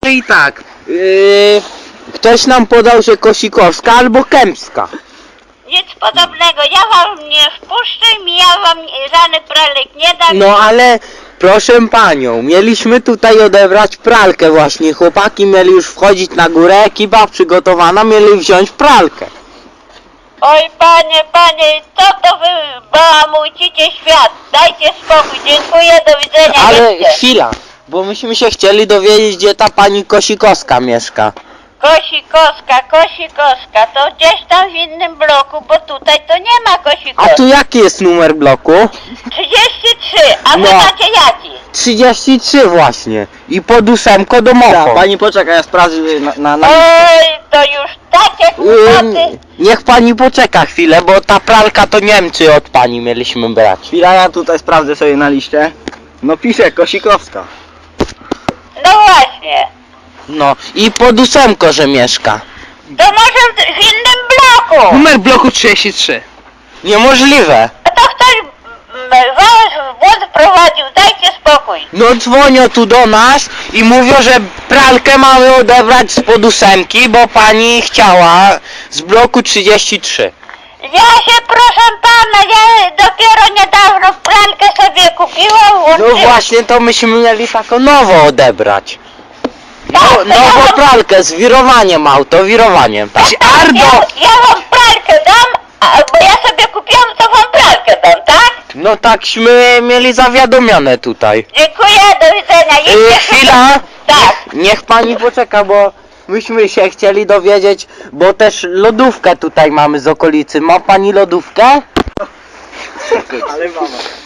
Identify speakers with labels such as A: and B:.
A: I tak, ktoś nam podał, że Kosikowska albo Kępska.
B: Nic podobnego, ja wam nie wpuszczę i ja wam żadny pralek nie dam.
A: No ale proszę panią, mieliśmy tutaj odebrać pralkę właśnie. Chłopaki mieli już wchodzić na górę, ekipa przygotowana, mieli wziąć pralkę.
B: Oj panie, co to wy bałamujcie świat? Dajcie spokój, dziękuję, do widzenia.
A: Ale
B: jedźcie.
A: chwila, bo myśmy się chcieli dowiedzieć, gdzie ta pani Kosikowska mieszka.
B: Kosikowska, to gdzieś tam w innym bloku, bo tutaj to nie ma
A: A
B: Kosikowskiej.
A: tu jaki jest numer bloku?
B: 33, a wy
A: No.
B: macie jaki?
A: 33 właśnie. I pod 8 domofon.
C: Pani poczeka, ja sprawdzę na
B: Oj, to już takie kłopoty.
A: Niech pani poczeka chwilę, bo ta pralka to Niemcy od pani mieliśmy brać.
C: Chwila, ja tutaj sprawdzę sobie na liście. No pisze Kosikowska.
B: No właśnie,
A: No i pod 8, że mieszka.
B: to może w innym bloku.
D: Numer bloku 33.
A: Niemożliwe.
B: A to ktoś was w błąd wprowadził, dajcie spokój.
A: No dzwonią tu do nas i mówią, że pralkę mamy odebrać spod 8, bo pani chciała z bloku 33.
B: Ja się, proszę pana, ja dopiero niedawno pralkę sobie kupiłam.
A: No właśnie, to myśmy mieli taką nową odebrać. No, nową pralkę z wirowaniem auto, wirowaniem. Tak.
B: Ja wam pralkę dam, bo ja sobie kupiłam, to wam pralkę dam, tak?
A: No takśmy mieli zawiadomione tutaj.
B: Dziękuję, do widzenia. Idźcie
A: Chwila!
B: Tak.
A: Niech pani poczeka, bo myśmy się chcieli dowiedzieć, bo też lodówkę tutaj mamy z okolicy. Ma pani lodówkę?
C: Ale mama.